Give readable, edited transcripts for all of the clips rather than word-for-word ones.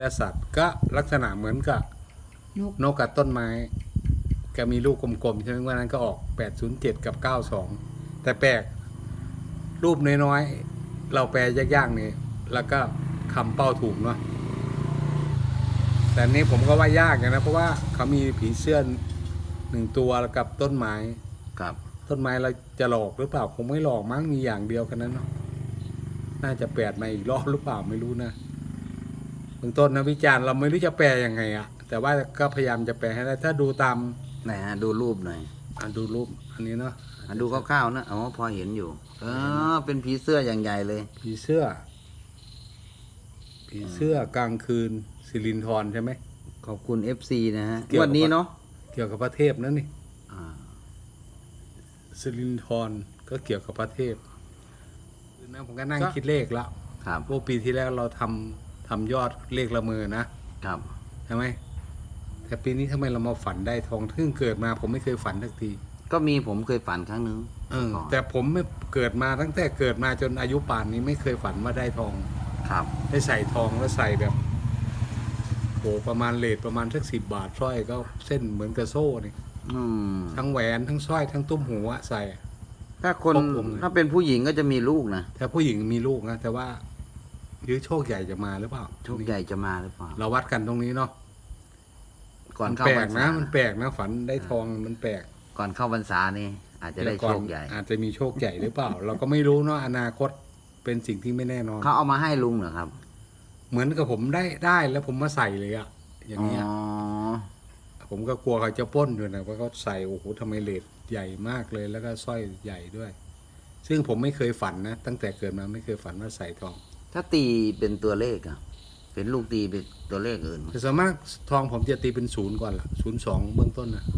และสัตว์ก็ลักษณะเหมือนกับนกกับต้นไม้ก็มีลูกกลมๆใช่ไหมวันนั้นก็ออก807กับ92แต่แปลกรูปน้อยๆเราแปลยากๆนี่แล้วก็คำเป้าถูกเนาะแต่นี้ผมก็ว่ายากอย่างนะเพราะว่าเขามีผีเสื้อ1ตัวกับต้นไม้ครับต้นไม้เราจะหลอกหรือเปล่าคงไม่หลอกมั้งมีอย่างเดียวกันนั้นเนาะน่าจะแปลมาอีกรอบหรือเปล่าไม่รู้นะเบื้องต้นนะวิจารณ์เราไม่รู้จะแปลยังไงอะแต่ว่าก็พยายามจะแปลให้ได้ถ้าดูตามไหนฮะดูรูปหน่อยดูรูปอันนี้เนาะดูคร่าวๆนะอ๋อพอเห็นอยู่เป็นผีเสื้ออย่างใหญ่เลยผีเสื้อกลางคืนสิรินธรใช่ไหมขอบคุณ FC นะฮะวันนี้เนาะเกี่ยวกับพระเทพนั่นนี่สิรินธรก็เกี่ยวกับพระเทพนะผมก็นั่งคิดเลขแล้วครับพวกปีที่แล้วเราทำยอดเลขละเมอนะครับใช่ไหมแต่ปีนี้ทำไมเรามาฝันได้ทองซึ่งเกิดมาผมไม่เคยฝันสักทีก็มีผมเคยฝันครั้งนึงแต่ผมไม่เกิดมาตั้งแต่เกิดมาจนอายุป่านนี้ไม่เคยฝันว่าได้ทองครับได้ใส่ทองแล้วใส่แบบโหประมาณเลทประมาณสัก10 บาทสร้อยก็เส้นเหมือนกระโซ่นี่ทั้งแหวนทั้งสร้อยทั้งตุ้มหูใส่ถ้าคนถ้าเป็นผู้หญิงก็จะมีลูกนะแต่ผู้หญิงมีลูกนะแต่ว่าหรือโชคใหญ่จะมาหรือเปล่าโชคใหญ่จะมาหรือเปล่าเราวัดกันตรงนี้เนาะก่อนเข้าพรรษามันแปลกนะฝันได้ทองมันแปลกก่อนเข้าพรรษานี่อาจจะได้โชคใหญ่อาจจะมีโชคใหญ่หรือเปล่า เราก็ไม่รู้เนาะอนาคตเป็นสิ่งที่ไม่แน่นอนเขาเอามาให้ลุงเหรอครับเหมือนกับผมได้แล้วผมมาใส่เลยอะอย่างเงี้ยผมก็กลัวเขาจะปล้นอยู่นะเพราะเขาใส่โอ้โหทำไมเลทใหญ่มากเลยแล้วก็สร้อยใหญ่ด้วย ซึ่งผมไม่เคยฝันนะตั้งแต่เกิดมาไม่เคยฝันว่าใส่ทองถ้าตีเป็นตัวเลขอะเป็นลูกตีเป็นตัวเลขอื่นแต่ส่วนมากทองผมจะตีเป็น0ก่อนล่ะ02เบื้องต้นนะ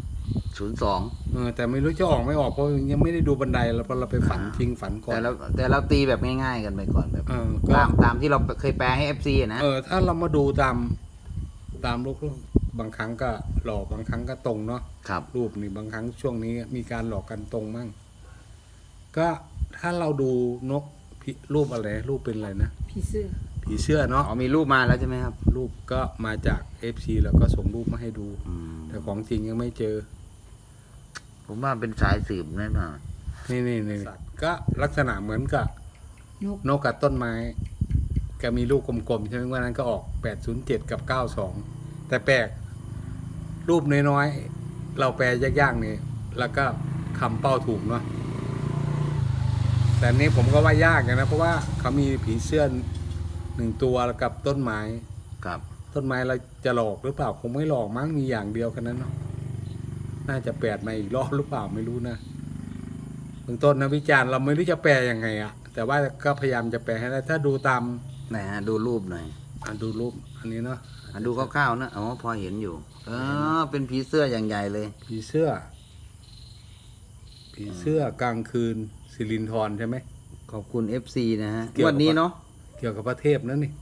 02 แต่ไม่รู้จะออกไม่ออกเพราะยังไม่ได้ดูบันไดแล้วพอเราไปฝันทิ้งฝันก่อนแต่เราตีแบบง่ายๆกันไปก่อนแบบตามที่เราเคยแปลให้ FC นะถ้าเรามาดูตามรูปบางครั้งก็หลอกบางครั้งก็ตรงเนาะรูปนี่บางครั้งช่วงนี้มีการหลอกกันตรงมั่งก็ถ้าเราดูนกรูปอะไรรูปเป็นอะไรนะผีเสื้อเนาะมีรูปมาแล้วใช่ไหมครับรูปก็มาจาก FC แล้วก็ส่งรูปมาให้ดูแต่ของจริงยังไม่เจอผมว่าเป็นสายสืบแน่นอนนี่ก็ลักษณะเหมือนกับนกกับต้นไม้ก็มีลูกกลมๆใช่ไหมวันนั้นก็ออก807กับ92แต่แปลกรูปน้อยๆเราแปลยากๆนี่แล้วก็คำเป้าถูกเนาะแต่นี้ผมก็ว่ายากอย่างนะเพราะว่าเขามีผีเสื้อ1ตัวกับต้นไม้ครับต้นไม้เราจะหลอกหรือเปล่าคงไม่หลอกมั้งมีอย่างเดียวกันนั้นเนาะน่าจะแปลมาอีกรอบหรือเปล่าไม่รู้นะเบื้องต้นนะวิจารณ์เราไม่รู้จะแปลยังไงอะแต่ว่าก็พยายามจะแปลให้ได้ถ้าดูตามไหนฮะดูรูปหน่อยดูรูปอันนี้เนาะดูคร่าวๆนะอ๋อพอเห็นอยู่เป็นผีเสื้ออย่างใหญ่เลยผีเสื้อกลางคืนสิรินธรใช่ไหมขอบคุณ FC นะฮะวันนี้เนาะเกี่ยวกับพระเทพนั่นนี่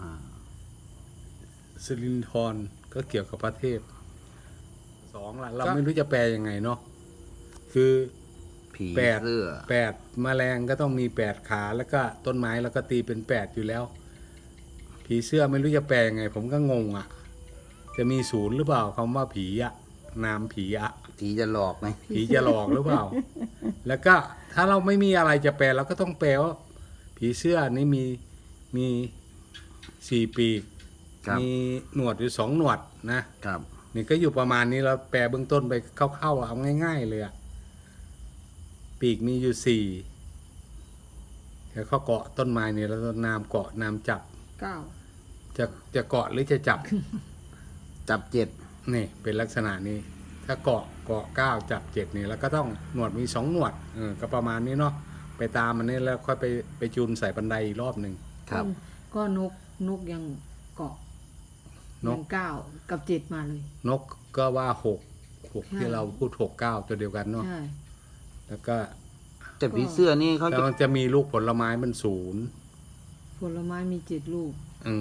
สิรินธรก็เกี่ยวกับพระเทพ2ละเราไม่รู้จะแปลยังไงเนาะคือผีเสื้อ8แมลงก็ต้องมี8ขาแล้วก็ต้นไม้แล้วก็ตีเป็น8อยู่แล้วผีเสื้อไม่รู้จะแปลยังไงผมก็งงอ่ะจะมี0หรือเปล่าคำว่าผีอะนามผีอะผีจะหลอกไหมผีจะหลอกหรือเปล่าแล้วก็ถ้าเราไม่มีอะไรจะแปลเราก็ต้องแปลว่าผีเสื้อนี่มี4 ปีกมีหนวดอยู่2 หนวดนะครับนี่ก็อยู่ประมาณนี้เราแปลเบื้องต้นไปเข้าๆเอาง่ายๆเลยอะปีกมีอยู่4แล้วเขาเกาะต้นไม้นี่แล้วนามเกาะนามจับจะเกาะหรือจะจับจับ7 นี่เป็นลักษณะนี้ถ้าเกาะ9จับ7นี่แล้วก็ต้องหนวดมี2 หนวดก็ประมาณนี้เนาะไปตามมันนี่แล้วค่อยไปจูนใส่บันไดอีกรอบหนึ่งครับก็นกยังเกาะยัง9กับ7มาเลยนกก็ว่า6ที่เราพูด6 9ตัวเดียวกันเนาะแล้วก็แต่ผีเสื้อนี่เขาจะมีลูกผลไม้มัน0 ผลไม้มี7 ลูก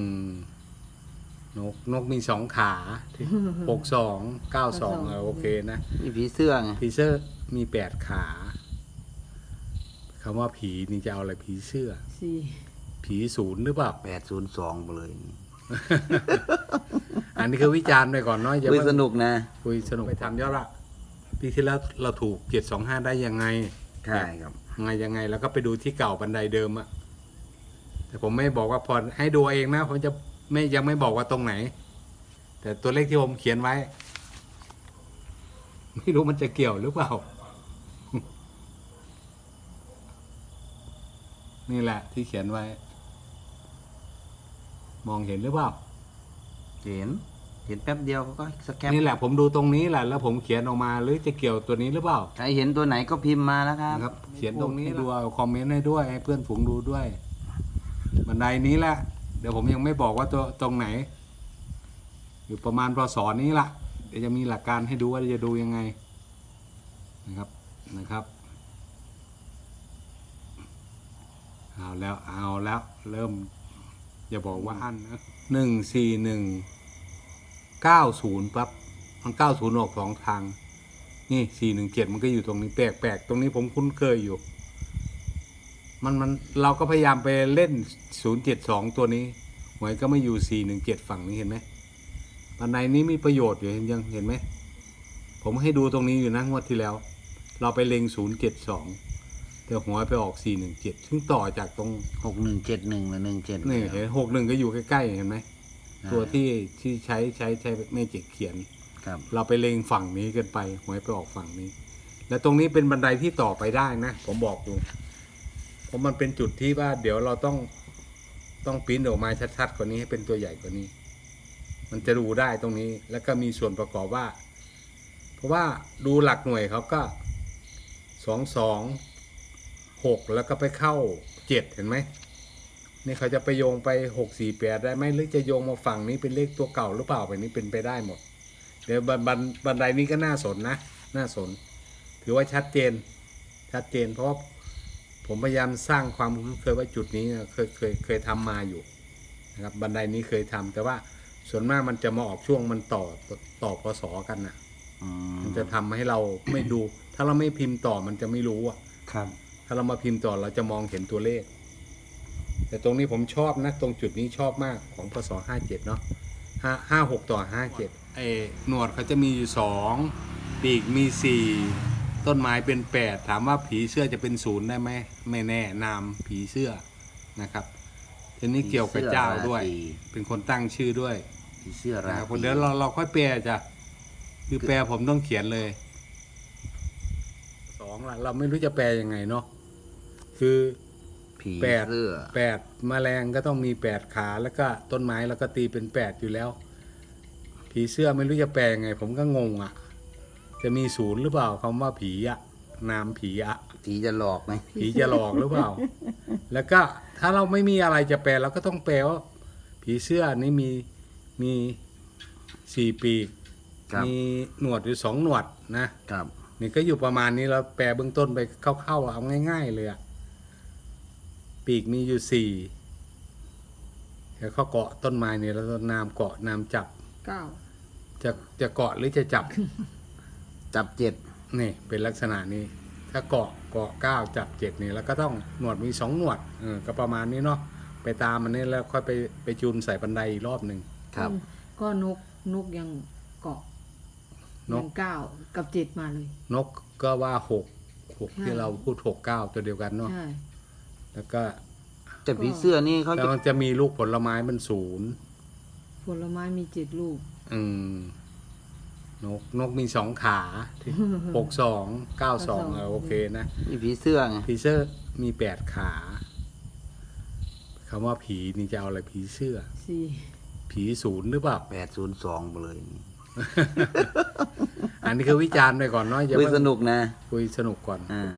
นกมี2 ขา62 92โอเคนะนี่ผีเสื้อไงผีเสื้อมี8 ขาคำว่าผีนี่จะเอาอะไรผีเสื้อผี0หรือเปล่า 802ไปเลยอันนี้คือวิจารณ์ไปก่อนเนาะอย่าคุยเพิ่งสนุกนะคุยสนุกไปทำยอดละปีที่แล้วเราถูก725ได้ยังไงใช่ครับยังไงแล้วก็ไปดูที่เก่าบันไดเดิมอะแต่ผมไม่บอกว่าพอให้ดูเองนะผมจะยังไม่บอกว่าตรงไหน แต่ตัวเลขที่ผมเขียนไว้ ไม่รู้มันจะเกี่ยวหรือเปล่า นี่แหละที่เขียนไว้ มองเห็นหรือเปล่าเห็นแป๊บเดียวเขาก็สแกนนี่แหละผมดูตรงนี้แหละแล้วผมเขียนออกมาหรือจะเกี่ยวตัวนี้หรือเปล่าใครเห็นตัวไหนก็พิมพ์มาแล้วครับนะครับ เขียนตรงนี้ดูเอาคอมเมนต์ให้ด้วยให้เพื่อนฝูงดูด้วย บันไดนี้แหละเดี๋ยวผมยังไม่บอกว่าตัวตรงไหน อยู่ประมาณพศนี้ละเดี๋ยวจะมีหลักการให้ดูว่าจะดูยังไงนะครับเอาแล้วเริ่มอย่าบอกว่าอันนะ14190ปั๊บมัน90ออก2ทางนี่417มันก็อยู่ตรงนี้แปลกๆตรงนี้ผมคุ้นเคยอยู่มันเราก็พยายามไปเล่น072ตัวนี้หวยก็ไม่อยู่417ฝั่งนี้เห็นไหมบันไดนี้มีประโยชน์อยู่ยังเห็นไหมผมให้ดูตรงนี้อยู่นะงวดที่แล้ว เราไปเล็ง072แต่หัวไปออก417ซึ่งต่อจากตรง 6171หรือ17 นี่เห็น61ก็อยู่ใกล้ๆเห็นไหมตัวที่ใช้แม่เจ็กเขียนครับเราไปเล็งฝั่งนี้เกินไปหวยไปออกฝั่งนี้ แล้วตรงนี้เป็นบันไดที่ต่อไปได้นะผมบอกดูเพราะมันเป็นจุดที่ว่าเดี๋ยวเราต้องปริ้นออกมาชัดๆกว่านี้ให้เป็นตัวใหญ่กว่านี้ มันจะดูได้ตรงนี้แล้วก็มีส่วนประกอบว่า เพราะว่าดูหลักหน่วยเขาก็226แล้วก็ไปเข้า7เห็นไหมนี่เขาจะไปโยงไป648ได้ไหมหรือจะโยงมาฝั่งนี้เป็นเลขตัวเก่าหรือเปล่าแบบนี้เป็นไปได้หมดเดี๋ยวบันไดนี้ก็น่าสนนะน่าสนถือว่าชัดเจนเพราะว่าผมพยายามสร้างความคุ้นเคยว่าจุดนี้เคยทำมาอยู่นะครับบันไดนี้เคยทำแต่ว่าส่วนมากมันจะมาออกช่วงมันต่อพศกันนะมันจะทำให้เราไม่ดู ถ้าเราไม่พิมพ์ต่อมันจะไม่รู้อ่ะครับถ้าเรามาพิมพ์ต่อเราจะมองเห็นตัวเลข แต่ตรงนี้ผมชอบนะตรงจุดนี้ชอบมากของพศ57เนาะ56ต่อ57หนวดเขาจะมีอยู่2ปีกมี4ต้นไม้เป็น8ถามว่าผีเสื้อจะเป็น0ได้ไหมไม่แน่นามผีเสื้อนะครับทีนี้เกี่ยวกับเจ้าด้วย เป็นคนตั้งชื่อด้วยผีเสื้อรานะครับตรีเดี๋ยวเราค่อยแปลจ้ะคือแปลผมต้องเขียนเลย2ล่ะเราไม่รู้จะแปลยังไงเนาะคือผีแปดเสื้อแมลงก็ต้องมี8ขาแล้วก็ต้นไม้แล้วก็ตีเป็น8อยู่แล้ว ผีเสื้อไม่รู้จะแปลยังไง ผมก็งงอ่ะ จะมี0หรือเปล่าคำว่าผีอ่ะนามผีอ่ะผีจะหลอกไหมผีจะหลอกหรือเปล่า แล้วก็ถ้าเราไม่มีอะไรจะแปลเราก็ต้องแปลว่าผีเสื้อนี่มี4ปีกครับมีหนวดอยู่2หนวดนะครับ นี่ก็อยู่ประมาณนี้เราแปลเบื้องต้นไปเข้าๆเอาง่ายๆเลยอ่ะปีกมีอยู่4แล้วเขาเกาะต้นไม้เนี่ยแล้วนามเกาะนามจับ 9 จะเกาะหรือจะจับจับ7 นี่เป็นลักษณะนี้ ถ้าเกาะ9จับ7นี่แล้วก็ต้องหนวดมี2หนวดก็ประมาณนี้เนาะไปตามมันนี่แล้วค่อยไปจูนใส่บันไดอีกรอบหนึ่งครับก็นกยังเกาะนกยัง9กับ7มาเลยนกก็ว่า6ที่เราพูด69ตัวเดียวกันเนาะใช่แล้วก็แต่ผีเสื้อนี่เขาแล้วจะมันจะมีลูกผลไม้มัน0 ผลไม้มี7ลูกนกมี2ขา62 92โอเคนะนี่ผีเสื้อไงผีเสื้อมี8ขาคำว่าผีนี่จะเอาอะไรผีเสื้อ 4 ผี0หรือเปล่า 802ไปเลยอันนี้คือวิจารณ์ไปก่อนเนาะอย่าคุยเพิ่งสนุกนะคุยสนุกก่อนอ่า